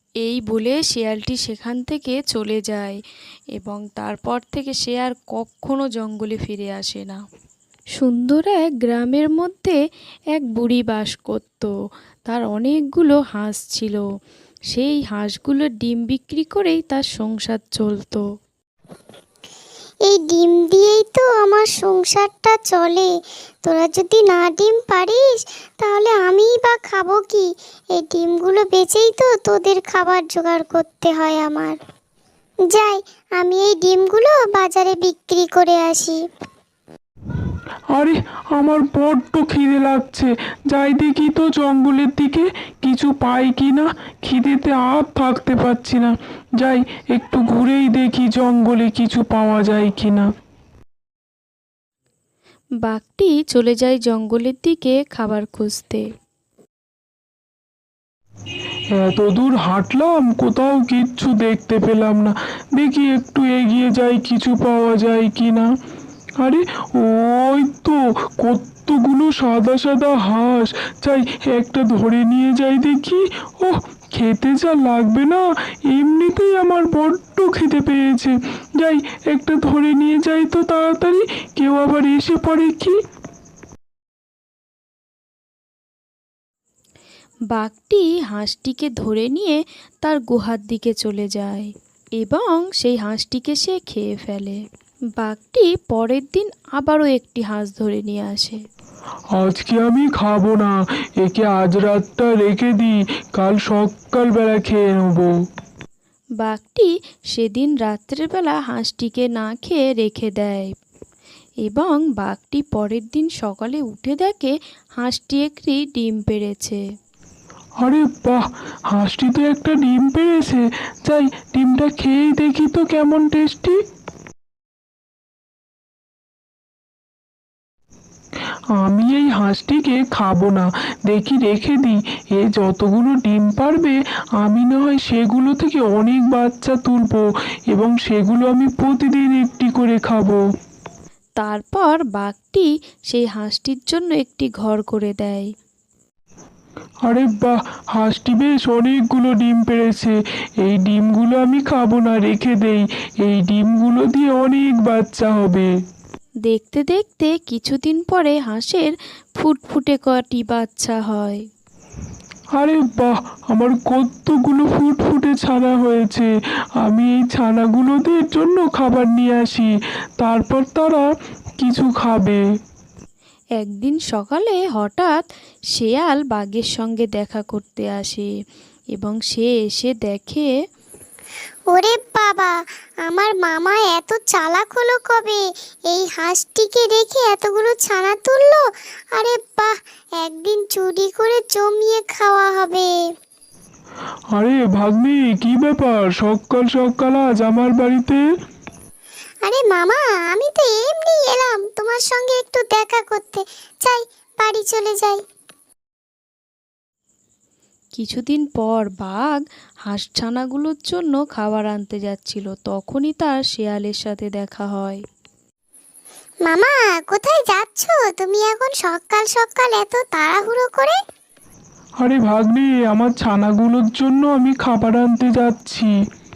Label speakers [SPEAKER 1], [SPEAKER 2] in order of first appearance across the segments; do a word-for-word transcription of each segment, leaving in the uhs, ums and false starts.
[SPEAKER 1] এই বলে শেয়ালটি সেখান থেকে চলে যায় এবং তারপর থেকে সে আর কখনো জঙ্গলে ফিরে আসে না। সুন্দর এক গ্রামের মধ্যে এক বুড়ি বাস করত। তার অনেকগুলো হাঁস ছিল। সেই হাঁসগুলোর ডিম বিক্রি করেই তার সংসার চলতো।
[SPEAKER 2] এই ডিম দিয়েই তো আমার সংসারটা চলে। তোরা যদি না ডিম পারিস তাহলে আমিই বা খাবো কি? এই ডিমগুলো বেচেই তো তোদের খাবার জোগাড় করতে হয় আমার। যাই, আমি এই ডিমগুলো বাজারে বিক্রি করে আসি।
[SPEAKER 3] আরে, আমার বড্ড খিদে লাগছে। যাই দেখি তো জঙ্গলের দিকে কিছু পাই কি না। খিদেতে আর থাকতে পারছি না। যাই, একটু ঘুরেই দেখি জঙ্গলে কিছু পাওয়া যায় কি না।
[SPEAKER 1] বাঘটি চলে যায় জঙ্গলের দিকে খাবার খুঁজতে।
[SPEAKER 3] এত দূর হাঁটলাম, কোথাও কিচ্ছু দেখতে পেলাম না। দেখি একটু এগিয়ে যাই, কিছু পাওয়া যায় কি না। আরে, ওই তো কতগুলো সাদা সাদা হাঁস। যাই, একটা ধরে নিয়ে যাই দেখি। ও, খেতে যা লাগবে না, এমনিতেই আমার বড্ড খেতে পেয়েছে। যাই, একটা ধরে নিয়ে যাই তো তাড়াতাড়ি, কেউ আবার এসে পড়ে কি।
[SPEAKER 1] বাঘটি হাঁসটিকে ধরে নিয়ে তার গুহার দিকে চলে যায় এবং সেই হাঁসটিকে সে খেয়ে ফেলে। বাঘটি পরের দিন আবারও একটি হাঁস ধরে নিয়ে আসে।
[SPEAKER 3] আজকে আমি খাবো না, একে আজ রাতটা রেখে দিই, কাল সকালবেলা খেয়ে নেবো।
[SPEAKER 1] বাঘটি সেদিন রাত্রেবেলা হাঁসটিকে না খেয়ে রেখে দেয় এবং বাঘটি পরের দিন সকালে উঠে দেখে হাঁসটি একটি ডিম পেড়েছে।
[SPEAKER 3] আরে বাহ, হাঁসটি তো একটা ডিম পেড়েছে। যাই, ডিমটা খেয়েই দেখি তো কেমন টেস্টি। আমি এই হাঁসটিকে খাবো না, দেখি রেখে দিই। এ যতগুলো ডিম পারবে আমি না হয় সেগুলো থেকে অনেক বাচ্চা তুলবো এবং সেগুলো আমি প্রতিদিন একটি করে খাবো।
[SPEAKER 1] তারপর বাঘটি সেই হাঁসটির জন্য একটি ঘর করে দেয়।
[SPEAKER 3] আরে বাহ, হাঁসটি বেশ অনেকগুলো ডিম পেড়েছে। এই ডিমগুলো আমি খাবো না, রেখে দেই। এই ডিমগুলো দিয়ে অনেক বাচ্চা হবে।
[SPEAKER 1] দেখতে দেখতে কিছুদিন পরে হাঁসের ফুটফুটে কটি বাচ্চা হয়।
[SPEAKER 3] আরে বাহ, আমার কতগুলো ফুটফুটে ছানা হয়েছে। আমি এই ছানাগুলোদের জন্য খাবার নিয়ে আসি, তারপর তারা কিছু খাবে।
[SPEAKER 1] একদিন সকালে হঠাৎ শেয়াল বাঘের সঙ্গে দেখা করতে আসে এবং সে এসে দেখে
[SPEAKER 2] ওরে বাবা, আমার মামা এত চালাক হলো কবে? এই হাঁসটিকে রেখে এতগুলো ছানা তুললো। আরে বাহ, একদিন চুরি করে জমিয়ে খাওয়া হবে।
[SPEAKER 3] আরে ভাগ্নি, কি ব্যাপার সকাল সকাল আজ আমার বাড়িতে?
[SPEAKER 2] আরে মামা, আমি তো এমনি এলাম তোমার সঙ্গে একটু দেখা করতে। চাই, বাড়ি চলে যাই।
[SPEAKER 1] কিছুদিন পর বাঘ হাঁসছানাগুলোর জন্য খাবার আনতে যাচ্ছিল। তখনই তার শেয়ালের সাথে দেখা হয়।
[SPEAKER 2] মামা, কোথায় যাচ্ছ তুমি এখন সকাল সকাল এত তাড়াহুড়ো করে?
[SPEAKER 3] আরে ভাগ্নি, আমার ছানাগুলোর জন্য আমি খাবার আনতে যাচ্ছি।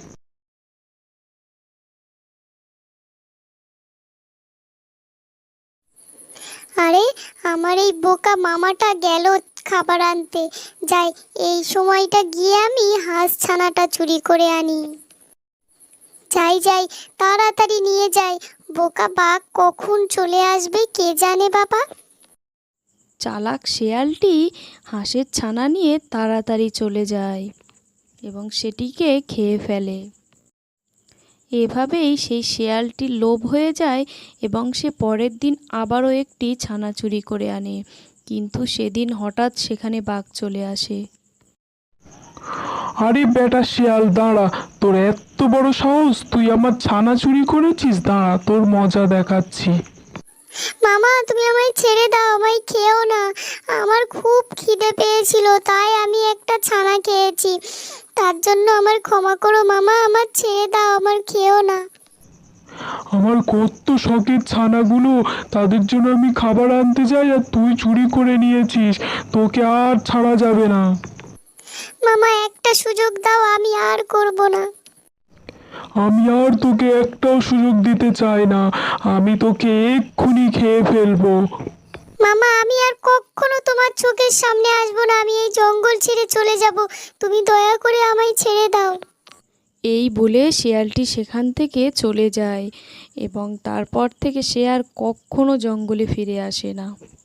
[SPEAKER 2] আরে, আমার এই বোকা মামাটা গেল খাবার আনতে। যাই, এই সময়টা গিয়ে আমি হাঁস ছানাটা চুরি করে আনি। যাই যাই, তাড়াতাড়ি নিয়ে যাই। বোকা বাঘ কখন চলে আসবে কে জানে বাবা।
[SPEAKER 1] চালাক শেয়ালটি হাঁসের ছানা নিয়ে তাড়াতাড়ি চলে যায় এবং সেটিকে খেয়ে ফেলে। এভাবেই সেই শেয়ালটির লোভ হয়ে যায় এবং সে পরের দিন আবারও একটি ছানা চুরি করে আনে, কিন্তু সেদিন হঠাৎ সেখানে বাঘ চলে আসে।
[SPEAKER 3] আরে বেটা শিয়াল, দাঁড়া। তোর এত বড় সাহস, তুই আমার ছানা চুরি করেছিস? দাঁড়া, তোর মজা দেখাচ্ছি।
[SPEAKER 2] মামা, তুমি আমায় ছেড়ে দাও, আমায় খেও না। আমার খুব খিদে পেয়েছিল, তাই আমি একটা ছানা খেয়েছি। তার জন্য আমার ক্ষমা করো মামা, আমার ছেড়ে দাও, আমার খেও না।
[SPEAKER 3] আমার কত শখের ছানাগুলো, তাদের জন্য আমি খাবার আনতে যাই আর তুই চুরি করে নিয়েছিস। তোকে আর ছাড়া যাবে না।
[SPEAKER 2] মামা, একটা সুযোগ দাও, আমি
[SPEAKER 3] আমি আর তোকে একটাও সুযোগ দিতে চাই না, আমি তোকে এক্ষুনি খেয়ে ফেলবো।
[SPEAKER 2] মামা, আমি আর কখনো তোমার চোখের সামনে আসবো না, আমি এই জঙ্গল ছেড়ে চলে যাব, তুমি দয়া করে আমায় ছেড়ে দাও।
[SPEAKER 1] এই বলে শেয়ালটি সেখান থেকে চলে যায় এবং তারপর থেকে সে আর কখনো জঙ্গলে ফিরে আসে না।